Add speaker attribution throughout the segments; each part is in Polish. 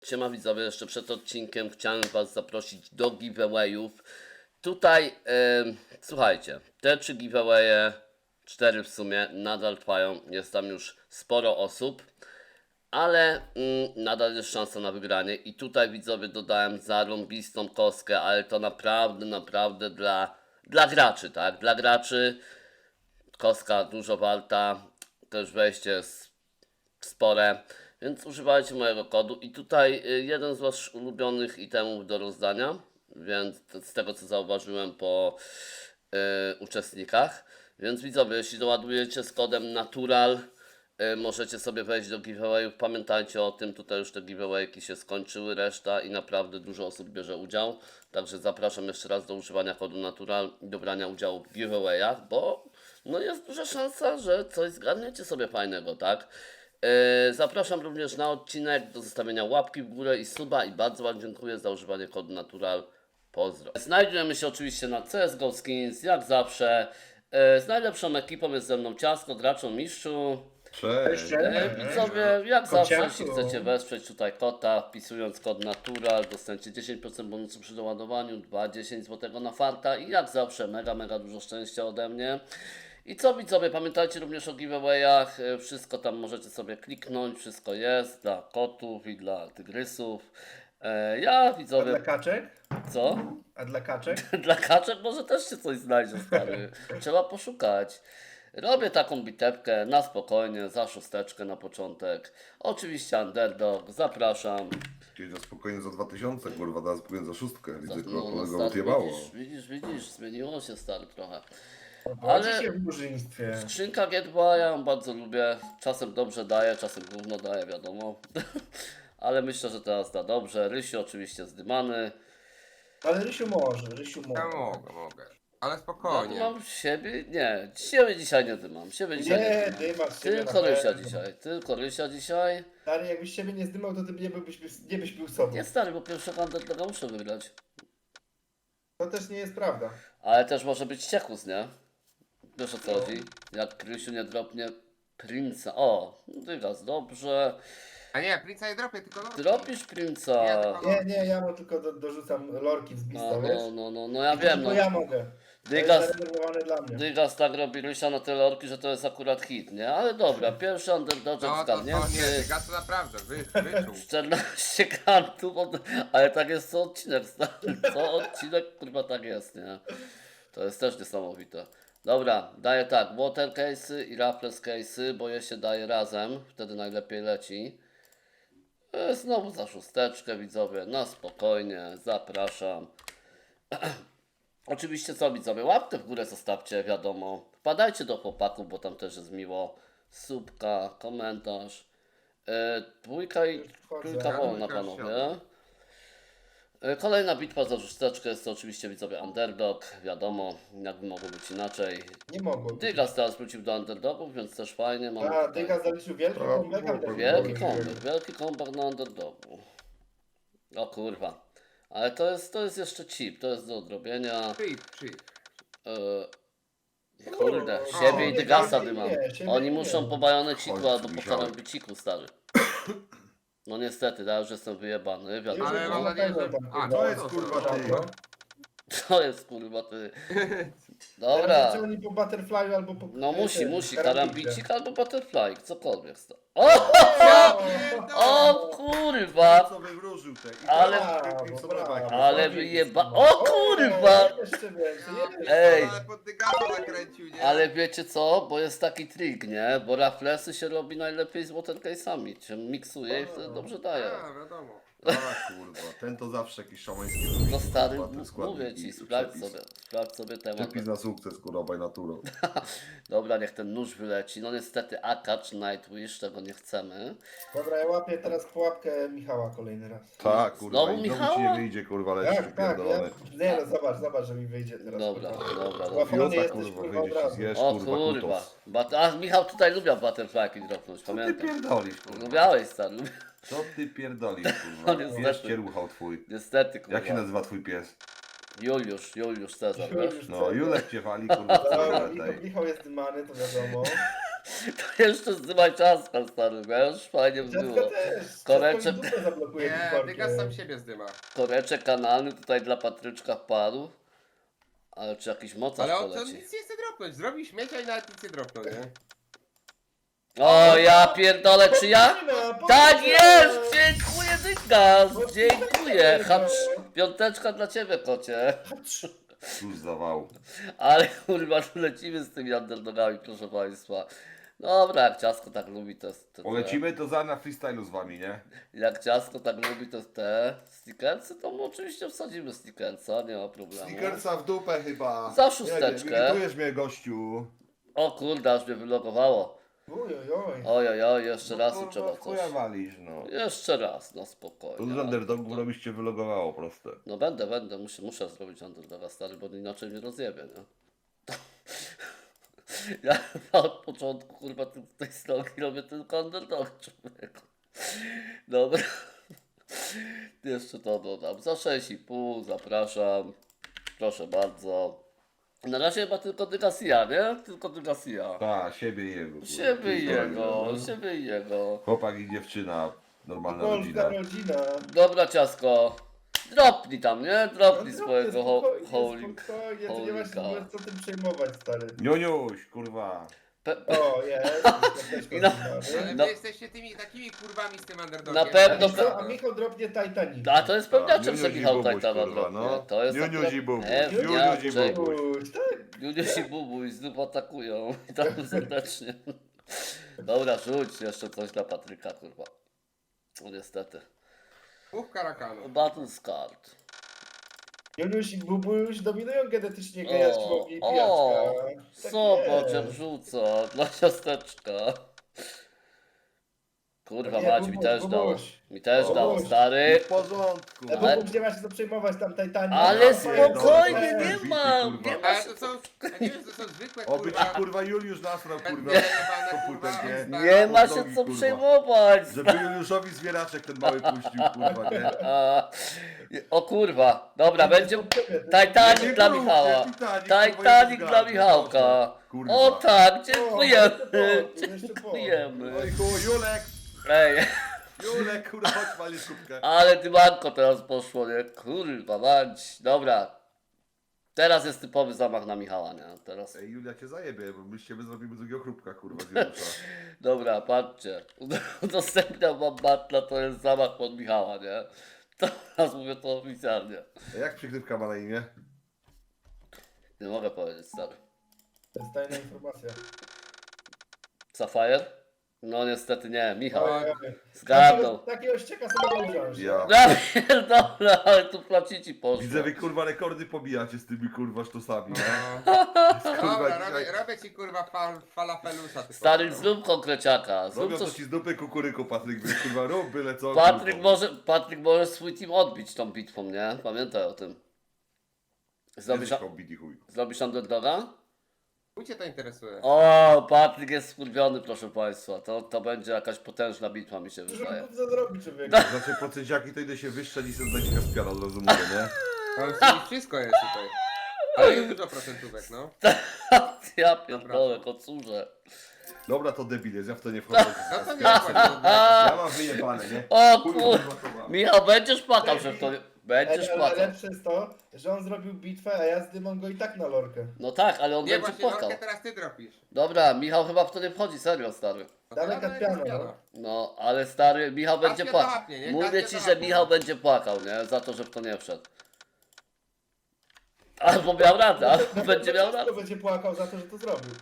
Speaker 1: Siema widzowie, jeszcze przed odcinkiem chciałem Was zaprosić do giveawayów. Tutaj, słuchajcie, te 3 giveawaye, 4 w sumie, nadal trwają. Jest tam już sporo osób, ale nadal jest szansa na wygranie. I tutaj widzowie dodałem zarąbistą kostkę, ale to naprawdę dla graczy, tak? Dla graczy kostka dużo warta, też wejście jest spore, więc używajcie mojego kodu i tutaj jeden z waszych ulubionych itemów do rozdania, więc z tego co zauważyłem po uczestnikach, więc widzowie, jeśli doładujecie z kodem natural, możecie sobie wejść do giveawayów. Pamiętajcie o tym, tutaj już te giveawayki się skończyły, reszta i naprawdę dużo osób bierze udział, także zapraszam jeszcze raz do używania kodu natural i do brania udziału w giveawayach, bo no jest duża szansa, że coś zgarniecie sobie fajnego, tak? Zapraszam również na odcinek do zostawienia łapki w górę i suba i bardzo Wam dziękuję za używanie kodu natural. Pozdro. Znajdujemy się oczywiście na CSGO Skins, jak zawsze. Z najlepszą ekipą jest ze mną Ciasko, Graczą, Mistrzu.
Speaker 2: Cześć.
Speaker 1: Widzowie, jak zawsze,
Speaker 2: Kociaku.
Speaker 1: jeśli chcecie wesprzeć tutaj kota, wpisując kod natural, dostaniecie 10% bonusu przy doładowaniu, 2,10 zł na farta i jak zawsze mega dużo szczęścia ode mnie. I co widzowie, pamiętajcie również o giveawayach, wszystko tam możecie sobie kliknąć, wszystko jest dla kotów i dla tygrysów. Ja
Speaker 2: A dla
Speaker 1: widzowie,
Speaker 2: kaczek?
Speaker 1: co?
Speaker 2: A dla kaczek?
Speaker 1: Dla kaczek może też się coś znajdzie, stary. Trzeba poszukać. Robię taką bitewkę na spokojnie, za szósteczkę na początek. Oczywiście underdog, zapraszam.
Speaker 3: Czyli na spokojnie za 2000, kurwa, teraz spokojnie za szóstkę. Widzę,
Speaker 1: No,
Speaker 3: kolego
Speaker 1: stary,
Speaker 3: odjebało.
Speaker 1: widzisz, zmieniło się stary trochę.
Speaker 2: Ale
Speaker 1: Ale
Speaker 2: się w murzyństwie.
Speaker 1: skrzynka G2 ja ją bardzo lubię. Czasem dobrze daje, czasem gówno daje, wiadomo. Ale myślę, że teraz da dobrze. Rysiu oczywiście zdymany.
Speaker 2: Ale Rysiu może.
Speaker 4: Ja mogę. Ale
Speaker 1: Ja
Speaker 4: spokojnie.
Speaker 1: mam siebie? Nie, siebie dzisiaj nie dymam. Siebie dzisiaj nie
Speaker 2: Nie,
Speaker 1: dymam.
Speaker 2: dymasz siebie
Speaker 1: Tylko
Speaker 2: na
Speaker 1: Rysia
Speaker 2: pewno.
Speaker 1: dzisiaj, tylko Rysia dzisiaj.
Speaker 2: Stary, jakbyś siebie nie zdymał, to ty nie byś był sobą.
Speaker 1: Nie stary, bo pierwszego underdoga muszę wygrać.
Speaker 2: To też nie jest prawda.
Speaker 1: Ale też może być ciekus, nie? Wiesz o co chodzi? Jak Krysiu nie dropnie Prince'a. O, Dygas, dobrze.
Speaker 4: A nie, Prince'a nie dropię, tylko no.
Speaker 1: Dropisz Prince'a.
Speaker 2: Nie, ja mu tylko dorzucam lorki z bista,
Speaker 1: No,
Speaker 2: wiesz?
Speaker 1: no ja wiem, no.
Speaker 2: Tylko ja mogę. To jest
Speaker 1: Dygas,
Speaker 2: zarezerwowane dla mnie.
Speaker 1: Dygas tak robi Rysia na tyle orki, że to jest akurat hit, nie? Ale dobra, pierwszy underdog
Speaker 4: No to
Speaker 1: zgarnięty.
Speaker 4: nie, Dyga to naprawdę, wyczuł.
Speaker 1: 14 kantów, ale tak jest co odcinek, stary. Co odcinek, kurwa, tak jest, nie? To jest też niesamowite. Dobra, daję tak, water case'y i raffles case'y, bo je się daje razem, wtedy najlepiej leci. Znowu za szósteczkę, widzowie, na spokojnie, zapraszam. Oczywiście co widzowie, łapkę w górę zostawcie, wiadomo. Wpadajcie do chłopaków, bo tam też jest miło. Subka, komentarz. Dwójka i trójka wolna, panowie. Kolejna bitwa za szósteczkę jest to oczywiście widzowie underdog, wiadomo, jakby mogło być inaczej.
Speaker 2: Nie mogło.
Speaker 1: Dygas teraz wrócił do underdogów, więc też fajnie. Mamy
Speaker 2: A,
Speaker 1: tutaj
Speaker 2: Dyga zaliczył wielki comeback, ale
Speaker 1: wielki comeback na underdogu. O kurwa. Ale to jest jeszcze chip, to jest do odrobienia.
Speaker 4: Cheat.
Speaker 1: Kurde,
Speaker 2: O,
Speaker 1: siebie i
Speaker 2: nie,
Speaker 1: Dygasa
Speaker 2: siebie
Speaker 1: dymam.
Speaker 2: nie, siebie
Speaker 1: Oni
Speaker 2: nie.
Speaker 1: muszą po bajoneciku
Speaker 3: Chodź,
Speaker 1: albo po
Speaker 3: Michał.
Speaker 1: karambiciku, stary. No niestety, ja już jestem wyjebany, wiadomo.
Speaker 4: Ale mam nadzieję, że... A,
Speaker 3: To jest, kurwa, ty.
Speaker 1: To jest kurwa ty.
Speaker 2: Dobra.
Speaker 1: Dobra.
Speaker 2: Czy oni po Butterfly'u albo po...
Speaker 1: No musi,
Speaker 2: karambicach.
Speaker 1: karambicik albo butterfly, cokolwiek sta. O!
Speaker 2: O,
Speaker 1: O kurwa!
Speaker 3: Co wywróżył te? I
Speaker 1: Ale-
Speaker 3: teraz
Speaker 2: brawo.
Speaker 1: Ale wyjeba... O kurwa!
Speaker 2: Jeszcze więcej,
Speaker 1: Ej!
Speaker 4: Ale pod Dygasa zakręcił, nie?
Speaker 1: Ale wiecie co? Bo jest taki trik, nie? Bo raflesy się robi najlepiej z watercase'ami. Się miksuje i wtedy dobrze daje.
Speaker 4: A, wiadomo.
Speaker 3: A, kurwa, ten to zawsze jakiś szamański.
Speaker 1: No stary,
Speaker 3: kurwa, ten składnik
Speaker 1: mówię ci,
Speaker 3: i
Speaker 1: sprawdź sobie temat.
Speaker 3: Przepis na sukces, kurwa, by naturą.
Speaker 1: Dobra, niech ten nóż wyleci. No niestety Akacz, Nightwish, tego nie chcemy.
Speaker 2: Dobra, ja łapię teraz pułapkę Michała kolejny raz.
Speaker 3: Tak, kurwa,
Speaker 1: Znowu
Speaker 3: i znowu
Speaker 1: Michała?
Speaker 3: ci nie wyjdzie, kurwa, lecisz
Speaker 2: Tak, ja,
Speaker 3: pierdolony.
Speaker 2: nie no, zobacz, że mi wyjdzie teraz.
Speaker 1: Dobra,
Speaker 2: kurwa.
Speaker 1: dobra.
Speaker 2: Łapany
Speaker 3: Fiota,
Speaker 2: jesteś,
Speaker 3: kurwa,
Speaker 2: kurwa, od
Speaker 3: wyjdzie ci
Speaker 2: razu.
Speaker 3: zjesz,
Speaker 1: O
Speaker 3: kurwa,
Speaker 1: kurwa.
Speaker 3: kutos.
Speaker 1: A Michał tutaj lubiał butterflyki dropnąć,
Speaker 3: Co ty
Speaker 1: pamiętam.
Speaker 3: pierdolisz, kurwa?
Speaker 1: Lubiałeś stary,
Speaker 3: Co ty pierdolisz,
Speaker 1: No
Speaker 3: kurwa?
Speaker 1: niestety.
Speaker 3: Wiesz, cieruchał twój.
Speaker 1: niestety kurwa.
Speaker 3: Jak się nazywa twój pies?
Speaker 1: Juliusz Cezar, wiesz?
Speaker 2: Już
Speaker 3: No,
Speaker 2: co?
Speaker 3: Julek cię wali, kurwa, w
Speaker 2: Dobra,
Speaker 3: całej tej.
Speaker 2: Michał jest dymany, to wiadomo.
Speaker 1: To jeszcze zdymaj ciastka, stary, wiesz? Fajnie by
Speaker 2: Ciastka
Speaker 1: było.
Speaker 2: też.
Speaker 1: Koreczek.
Speaker 2: Ciastko mi dupę zablokuje
Speaker 4: Nie,
Speaker 2: Discordzie.
Speaker 4: Dygas sam siebie zdyma.
Speaker 1: Koreczek kanalny tutaj dla Patryczka wpadł. Ale czy jakiś mocarz
Speaker 4: Ale on to
Speaker 1: poleci?
Speaker 4: nic nie chce dropnąć. Zrobi śmiecia i nawet nic nie dropnął, nie?
Speaker 1: O, ja pierdolę, czy ja?
Speaker 2: Podwójna,
Speaker 1: Tak
Speaker 2: podwójna.
Speaker 1: jest! Dziękuję, Dygas! Dziękuję! Hacz, piąteczka dla ciebie, kocie.
Speaker 3: Cóż za wał.
Speaker 1: Ale kurwa, tu lecimy z tymi underdogami, proszę państwa. Dobra, jak ciasko tak lubi, to jest... To
Speaker 3: Polecimy to za na freestylu z wami, nie?
Speaker 1: Jak ciasko tak lubi, to te stickersy, to my oczywiście wsadzimy stickersa, nie ma problemu.
Speaker 3: Snickersa w dupę chyba.
Speaker 1: Za szósteczkę.
Speaker 3: Nie wiem, irytujesz mnie, gościu.
Speaker 1: O kurde, aż mnie wylogowało.
Speaker 2: Oj, oj, oj.
Speaker 1: Ojojoj, jeszcze raz
Speaker 3: Kurwa,
Speaker 1: trzeba
Speaker 3: w chuja
Speaker 1: coś.
Speaker 3: walisz, no.
Speaker 1: Jeszcze raz, no
Speaker 3: To
Speaker 1: spokojnie.
Speaker 3: z underdogów robisz cię wylogowało, proste.
Speaker 1: No będę, muszę zrobić underdoga, stary, bo inaczej mnie rozjebie, nie? Ja od początku, kurwa, tej strogi robię tylko underdog, człowieku. Dobra. Jeszcze to dodam. Za 6,5 zapraszam. Proszę bardzo. Na razie chyba tylko Dygasia, nie? Tylko Dygasia.
Speaker 3: Ta, siebie i jego. kurwa.
Speaker 1: Siebie i
Speaker 3: Pierdolę,
Speaker 1: jego,
Speaker 3: no.
Speaker 1: siebie i jego.
Speaker 3: Chłopak i dziewczyna. Normalna
Speaker 2: Polska
Speaker 3: rodzina.
Speaker 2: rodzina.
Speaker 1: Dobra, ciasko. Dropnij tam, nie? Dropnij
Speaker 2: No,
Speaker 1: swojego
Speaker 2: spokojnie,
Speaker 1: holik.
Speaker 2: spokojnie, to nie masz się
Speaker 1: holika.
Speaker 2: co tym przejmować, stary.
Speaker 3: Niuniuś, kurwa.
Speaker 2: O, jest.
Speaker 1: No.
Speaker 4: Ale
Speaker 1: No.
Speaker 4: wy jesteście tymi takimi kurwami z tym underdogiem.
Speaker 1: Na pewno
Speaker 4: Tak,
Speaker 1: pe-
Speaker 2: A Michał dropnie Titanic.
Speaker 1: A to jest pewniaczem, że
Speaker 3: Niuniuś i
Speaker 1: Michał
Speaker 3: Bubuś,
Speaker 1: Tajtana
Speaker 3: kurwa,
Speaker 1: dropnie.
Speaker 3: no.
Speaker 1: To jest
Speaker 3: Niuniuś i Bubuś.
Speaker 1: pewniaczek.
Speaker 3: Niuniuś i Bubuś.
Speaker 2: Uj, tak.
Speaker 1: Juniusz i Bubuś znów atakują. Witam serdecznie. Dobra, rzuć jeszcze coś dla Patryka, kurwa. No niestety.
Speaker 4: Dwóch karakanów.
Speaker 1: Battle Card.
Speaker 2: Joniuś i Bubuś dominują genetycznie
Speaker 1: O,
Speaker 2: gejaczkowi i
Speaker 1: o,
Speaker 2: pijaczka. Tak
Speaker 1: zobacz
Speaker 2: jest.
Speaker 1: jak rzuca dla ciasteczka. Kurwa
Speaker 2: Nie,
Speaker 1: mać, mi
Speaker 2: Bubuś,
Speaker 1: też dało.
Speaker 2: Bubuś.
Speaker 1: Mi też
Speaker 2: Bubuś.
Speaker 1: dało, stary.
Speaker 3: W porządku.
Speaker 2: Ale
Speaker 1: Ale-
Speaker 2: Bubuś nie ma się co przejmować tam Titanic.
Speaker 1: Ale
Speaker 2: No,
Speaker 1: spokojnie,
Speaker 2: fajnie,
Speaker 1: nie
Speaker 3: Bity,
Speaker 1: ma,
Speaker 3: kurwa.
Speaker 1: nie ma
Speaker 4: Ale
Speaker 1: się
Speaker 4: to są, ja nie wiem, to są zwykłe
Speaker 3: Oby ci
Speaker 4: kurwa.
Speaker 3: kurwa Juliusz nasrał, kurwa.
Speaker 4: Jebane,
Speaker 3: Komputer,
Speaker 4: kurwa,
Speaker 3: nie?
Speaker 4: stare.
Speaker 1: Nie ma
Speaker 3: Pod
Speaker 1: się
Speaker 3: nogi,
Speaker 1: co
Speaker 3: kurwa.
Speaker 1: przejmować.
Speaker 3: Żeby Juliuszowi zwieraczek ten mały puścił, kurwa, nie?
Speaker 1: A, o kurwa, dobra, będzie
Speaker 2: Nie,
Speaker 1: Titanic
Speaker 3: Nie
Speaker 1: dla
Speaker 3: mówcie,
Speaker 1: Michała.
Speaker 3: Titanic, kurwa,
Speaker 1: Titanic
Speaker 3: jest
Speaker 1: dla
Speaker 3: zgadza,
Speaker 1: Michałka.
Speaker 3: kurwa.
Speaker 1: O tak,
Speaker 2: O,
Speaker 1: dziękujemy.
Speaker 2: jeszcze po.
Speaker 1: Dziękujemy.
Speaker 3: Oj, chuj, Julek,
Speaker 1: Ej,
Speaker 3: Julek, kurwa, chodź walisz kubkę.
Speaker 1: ale dymanko teraz poszło, nie? Kurwa, mać. Dobra. Teraz jest typowy zamach na Michała, nie? Teraz.
Speaker 3: Ej, Julia cię zajebie, bo my z ciebie zrobimy drugiego chrupka, kurwa, z Juliusza.
Speaker 1: Dobra, patrzcie. Udostępniam wam batla, to jest zamach pod Michała, nie? Teraz mówię to oficjalnie.
Speaker 3: A jak przykrywka ma na imię?
Speaker 1: Nie mogę powiedzieć, stary.
Speaker 2: To jest tajna informacja.
Speaker 1: Sapphire? No niestety nie, Michał.
Speaker 2: Oj, oj.
Speaker 1: Zgadnął.
Speaker 2: Takiego ścieka sobie mogę wziąć.
Speaker 3: Ja.
Speaker 1: Ja pierdolę, ale tu placici poszło.
Speaker 3: Widzę, wy kurwa rekordy pobijacie z tymi kurwa sztosami, nie?
Speaker 4: No.
Speaker 3: Kurwa,
Speaker 4: Dobra,
Speaker 3: dzisiaj-
Speaker 4: robię ci kurwa falafelusa. tylko.
Speaker 1: Stary, zrób konkreciaka. Zrób
Speaker 3: Robią to
Speaker 1: coś.
Speaker 3: ci z dupy kukuryku, Patryk, więc kurwa rób byle co.
Speaker 1: Patryk może swój team odbić tą bitwą, nie? Pamiętaj o tym. Zrobisz,
Speaker 3: Zrobisz chuj.
Speaker 1: zrobisz underdoga?
Speaker 4: Chuj cię to interesuje.
Speaker 1: O, Patryk jest skurwiony, proszę państwa. To będzie jakaś potężna bitwa, mi się
Speaker 2: Żeby
Speaker 1: wydaje.
Speaker 2: móc zrobić, człowieku.
Speaker 3: Znaczy procenciaki to idę się wyszczelić i zdać kaspiara, od razu mówię, nie?
Speaker 4: Ale w sumie wszystko jest tutaj. Ale jest dużo procentówek, no.
Speaker 1: Ja pierdolę, kocurze.
Speaker 3: Dobra, to debil jest, ja w to nie wchodzę.
Speaker 4: No to nie wchodzi.
Speaker 3: Ja mam wyjebane, nie?
Speaker 1: O
Speaker 3: Chuj,
Speaker 1: kur...
Speaker 3: kurwa, to mam.
Speaker 1: Michał, będziesz płakał, że w to... Będziesz
Speaker 2: Ale
Speaker 1: płakał.
Speaker 2: lepsze jest to, że on zrobił bitwę, a ja zdymam go i tak na lorkę.
Speaker 1: No tak, ale on
Speaker 4: Nie,
Speaker 1: będzie
Speaker 4: właśnie
Speaker 1: płakał.
Speaker 4: Lorkę teraz ty dropisz.
Speaker 1: Dobra, Michał chyba w to nie wchodzi, serio, stary.
Speaker 4: No
Speaker 2: Dawaj
Speaker 4: to
Speaker 2: Kaspiana,
Speaker 4: Kaspiana.
Speaker 2: no.
Speaker 1: No, ale stary, Michał
Speaker 4: Kaspia
Speaker 1: będzie
Speaker 4: to
Speaker 1: płakał.
Speaker 4: łapnie, nie?
Speaker 1: Mówię
Speaker 4: Kaspia
Speaker 1: ci,
Speaker 4: to
Speaker 1: że
Speaker 4: łapnie.
Speaker 1: Michał będzie płakał, nie? Za to, że w to nie wszedł. Albo miał radę, albo będzie miał rację.
Speaker 2: Kto będzie płakał za to, że to zrobił?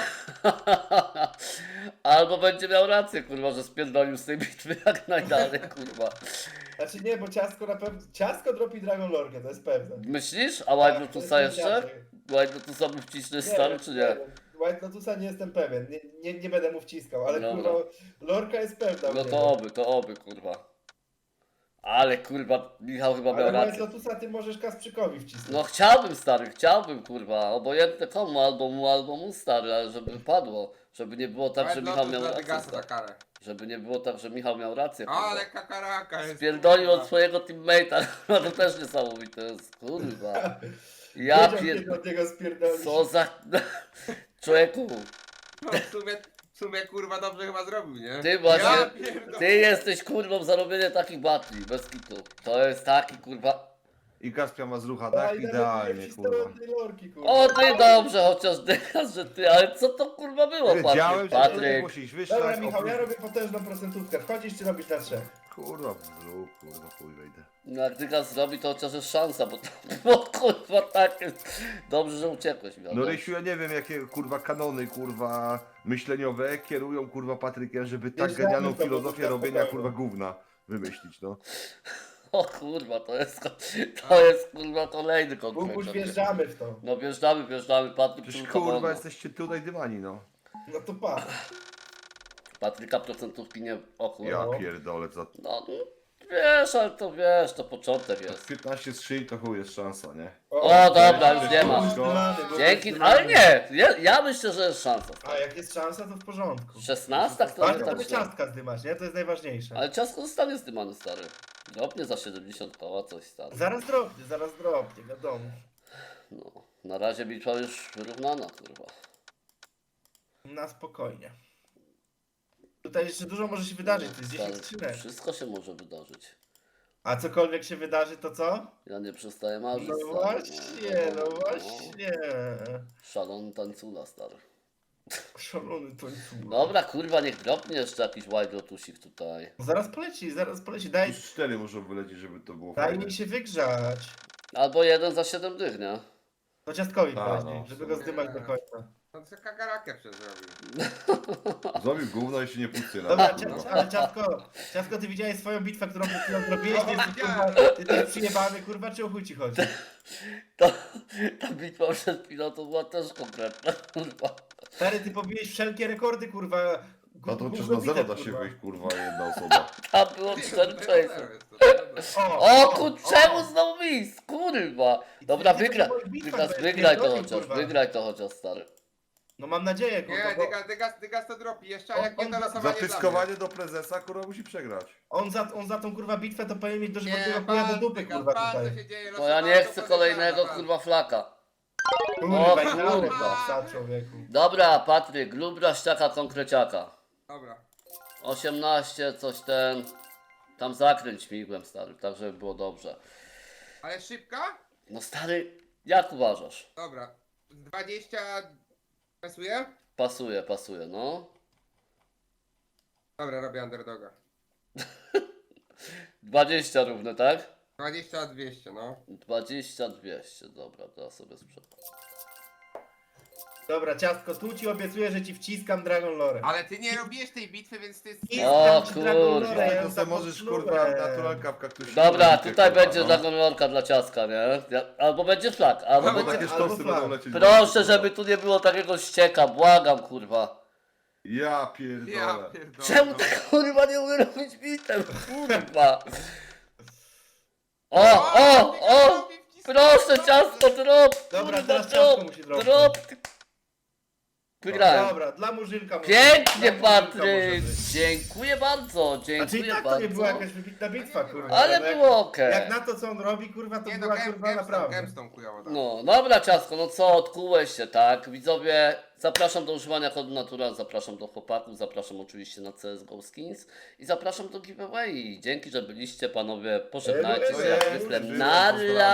Speaker 1: Albo będzie miał rację, kurwa, że spierdolił z tej bitwy jak najdalej, kurwa.
Speaker 2: Znaczy nie, bo ciastko na pewno... Ciastko dropi Dragon Lorkę, to jest pewne.
Speaker 1: Myślisz? A White
Speaker 2: Tak,
Speaker 1: Lotusa
Speaker 2: to jest
Speaker 1: jeszcze?
Speaker 2: inaczej.
Speaker 1: White Lotusa by wciśniesz stary, czy nie?
Speaker 2: White Lotusa nie jestem pewien, nie będę mu wciskał, ale
Speaker 1: Dobra.
Speaker 2: kurwa, Lorka jest pewna. u
Speaker 1: No
Speaker 2: niego.
Speaker 1: to oby, kurwa. Ale kurwa, Michał chyba miał
Speaker 2: Ale White
Speaker 1: rację.
Speaker 2: Lotusa ty możesz Kasprzykowi wcisnąć.
Speaker 1: No chciałbym, stary, chciałbym, kurwa. Obojętne komu, albo mu, stary, ale żeby wypadło. Żeby nie było tak, że Michał miał
Speaker 4: dla
Speaker 1: rację.
Speaker 4: Dygasa za
Speaker 1: Stary.
Speaker 4: karę.
Speaker 1: Żeby nie było tak, że Michał miał rację,
Speaker 4: O,
Speaker 1: kurwa.
Speaker 4: ale kakaraka jest.
Speaker 1: Spierdolił
Speaker 4: kurwa.
Speaker 1: od swojego teammate'a, no to też niesamowite jest, kurwa. Ja
Speaker 2: Wiedział, kiedy
Speaker 1: pierdolę.
Speaker 2: od niego spierdolisz.
Speaker 1: Co za... Człowieku,
Speaker 4: No w sumie W sumie kurwa dobrze chyba zrobił, nie?
Speaker 1: Ty właśnie,
Speaker 4: Ja pierdolę.
Speaker 1: ty jesteś kurwą za robienie takich batli, bez kitu. To jest taki kurwa...
Speaker 3: I Kaspia ma zrucha,
Speaker 2: A,
Speaker 3: tak?
Speaker 2: i nawet
Speaker 3: Idealnie,
Speaker 2: lepsi
Speaker 3: kurwa.
Speaker 2: steroidnej lorki, kurwa.
Speaker 1: O ty dobrze, chociaż dychasz, że ty, ale co to kurwa było,
Speaker 3: Wiedziałem,
Speaker 1: Patryk?
Speaker 3: że ty
Speaker 1: Patryk.
Speaker 3: musisz
Speaker 2: Dobra,
Speaker 3: wyszlać.
Speaker 2: Michał, ja robię potężną procentówkę. Wchodzisz czy robisz na 3?
Speaker 3: Kurwa, zrób, kurwa, chuj wejdę.
Speaker 1: No jak dygas zrobi, to chociaż jest szansa, bo to było kurwa takie... Dobrze, że uciekłeś,
Speaker 3: No
Speaker 1: wiadomo.
Speaker 3: Rysiu, ja nie wiem jakie kurwa kanony, kurwa myśleniowe kierują kurwa Patrykiem, żeby tak
Speaker 2: Wjeżdżamy
Speaker 3: genialną
Speaker 2: w to, bo
Speaker 3: filozofię
Speaker 2: to
Speaker 3: robienia
Speaker 2: spokojnie.
Speaker 3: kurwa gówna wymyślić, no.
Speaker 1: O kurwa, to jest kurwa kolejny
Speaker 2: Bubuś,
Speaker 1: konkret.
Speaker 2: wjeżdżamy w to.
Speaker 1: No wjeżdżamy, Patryk
Speaker 3: Przecież
Speaker 1: tylko
Speaker 3: kurwa
Speaker 1: wolno.
Speaker 3: jesteście tutaj dymani, no.
Speaker 2: No to pa.
Speaker 1: Patryka procentówki nie... O kurwa.
Speaker 3: Ja pierdolę, za
Speaker 1: No, wiesz, ale to wiesz, to początek jest.
Speaker 3: 15 strzeli to chuj jest szansa, nie?
Speaker 1: O, dobra, już nie ma.
Speaker 2: Zdymany, bo
Speaker 1: Dzięki,
Speaker 2: zdymany.
Speaker 1: ale nie, ja myślę, że jest szansa.
Speaker 2: A jak jest szansa, to w porządku.
Speaker 1: 16 to nie
Speaker 2: Ważne,
Speaker 1: tak
Speaker 2: żeby
Speaker 1: źle.
Speaker 2: ciastka zdymać, nie? To jest najważniejsze.
Speaker 1: Ale ciasko zostanie zdymany, stary. Drobnie za 70 koła, coś stary.
Speaker 2: Zaraz drobnie, wiadomo.
Speaker 1: No, na razie bitwa już wyrównana, kurwa.
Speaker 2: Na spokojnie. Tutaj jeszcze dużo może się wydarzyć, to jest 10
Speaker 1: Stary,
Speaker 2: skrzynek.
Speaker 1: wszystko się może wydarzyć.
Speaker 2: A cokolwiek się wydarzy, to co?
Speaker 1: Ja nie przestaję marzyć,
Speaker 2: No
Speaker 1: stary.
Speaker 2: właśnie, no właśnie.
Speaker 1: Szalony tańcula, stary.
Speaker 2: Szalony to jest.
Speaker 1: Dobra, kurwa, niech dropnie jeszcze jakiś white lotusik tutaj.
Speaker 2: Zaraz poleci. Daj,
Speaker 3: Już 4 muszą wylecieć, żeby to było
Speaker 2: daj
Speaker 3: fajne.
Speaker 2: mi się wygrzać.
Speaker 1: Albo jeden za 7 dych, nie?
Speaker 2: To ciastkowi
Speaker 3: A,
Speaker 2: poleci,
Speaker 3: no,
Speaker 2: żeby go zdymać do końca.
Speaker 4: No to kakarakę przezrobił.
Speaker 3: Zrobił gówno i się nie puszczy na
Speaker 2: Dobra,
Speaker 3: kurwa.
Speaker 2: ale ciastko, ty widziałeś swoją bitwę, którą przed chwilą zrobiłeś? Ty jesteś, kurwa, ty jesteś przyjebany, kurwa, czy o chuj ci chodzi?
Speaker 1: Ta bitwa przed chwilą to była też konkretna, kurwa.
Speaker 2: Stary, ty pobiłeś wszelkie rekordy, kurwa.
Speaker 3: No to przecież
Speaker 2: Gówno
Speaker 3: na zero
Speaker 2: bitew,
Speaker 3: da się
Speaker 2: kurwa.
Speaker 3: wyjść, kurwa, jedna osoba.
Speaker 1: Tam było 4 chase'y.
Speaker 2: O,
Speaker 1: O czemu znowu mis? Kurwa! Dobra, wygraj. Wygraj to chociaż, wygraj to chociaż, stary.
Speaker 2: No mam nadzieję, kurwa,
Speaker 4: Nie,
Speaker 2: bo
Speaker 4: dygas to dropi jeszcze, a
Speaker 2: On-
Speaker 4: jak nie
Speaker 2: on
Speaker 4: to
Speaker 2: za
Speaker 4: losowanie
Speaker 3: Zatyskowanie do prezesa, kurwa, musi przegrać.
Speaker 2: on za tą, kurwa, bitwę to powinien mieć
Speaker 4: dla mnie.
Speaker 2: dożywotniego chuja do dupy, kurwa, tutaj.
Speaker 4: się dzieje,
Speaker 1: Bo ja nie chcę kolejnego, kurwa, flaka.
Speaker 2: Kurwa,
Speaker 1: O,
Speaker 2: i
Speaker 1: kurwa.
Speaker 2: nawet psa, człowieku.
Speaker 1: Dobra, Patryk, lubra ściaka konkreciaka.
Speaker 4: Dobra.
Speaker 1: 18, coś ten... Tam zakręć migłem, stary, tak żeby było dobrze.
Speaker 4: Ale szybka?
Speaker 1: No stary, jak uważasz?
Speaker 4: Dobra. 20... Pasuje?
Speaker 1: Pasuje, no.
Speaker 4: Dobra, robię underdoga.
Speaker 1: 20 równe, tak?
Speaker 4: 20 200, no.
Speaker 1: 20, 200, dobra, teraz sobie sprzedam.
Speaker 2: Dobra, ciastko, tu ci obiecuję, że ci wciskam Dragon Lore.
Speaker 4: Ale ty nie robiłeś tej bitwy, więc ty...
Speaker 1: O,
Speaker 2: Wciskam ci Dragon
Speaker 1: kurwa.
Speaker 2: Lore, ja
Speaker 3: To
Speaker 2: ją
Speaker 3: sobie możesz,
Speaker 2: zapocznułem.
Speaker 3: kurwa, naturalka w kaktusie.
Speaker 1: Dobra,
Speaker 3: robicie,
Speaker 1: tutaj
Speaker 3: kurwa,
Speaker 1: będzie
Speaker 3: no.
Speaker 1: zagonlorka dla ciastka, nie? Albo będzie flak, albo
Speaker 4: Albo
Speaker 1: będzie...
Speaker 3: Takie
Speaker 2: Albo
Speaker 3: sztosy
Speaker 2: flag.
Speaker 3: będą lecieć.
Speaker 1: Proszę, żeby tu nie było takiego ścieka, błagam, kurwa.
Speaker 3: Ja
Speaker 4: Ja
Speaker 3: pierdolę.
Speaker 4: pierdolę.
Speaker 1: Czemu ty, kurwa, nie umiem robić bitem, kurwa? O! Proszę, ciastko, drop!
Speaker 2: Dobra,
Speaker 1: Kurwa,
Speaker 2: teraz ciastko
Speaker 1: drop!
Speaker 2: musi dropnąć.
Speaker 1: Drop! Wygrałem.
Speaker 2: Dobra, dla murzynka może
Speaker 1: Pięknie,
Speaker 2: być. Dla murzynka
Speaker 1: Patryk!
Speaker 2: może być.
Speaker 1: Dziękuję bardzo,
Speaker 2: Znaczy i
Speaker 1: dziękuję
Speaker 2: tak to nie była
Speaker 1: bardzo.
Speaker 2: jakaś wybitna bitwa, kurwa.
Speaker 1: Ale
Speaker 2: no jak-
Speaker 1: było okej.
Speaker 2: Jak na to, co on robi, kurwa, to
Speaker 4: Nie no,
Speaker 2: była, kurwa, naprawdę.
Speaker 4: Gemstone kujowo, tak.
Speaker 1: No, dobra ciastko, no co, odkułeś się, tak? Widzowie, zapraszam do używania kodu Natural, zapraszam do chłopaków, zapraszam oczywiście na CSGO Skins i zapraszam do giveaway. Dzięki, że byliście, panowie, pożegnajcie się jak zwykle.
Speaker 3: Pozdrawiam.
Speaker 1: Nara!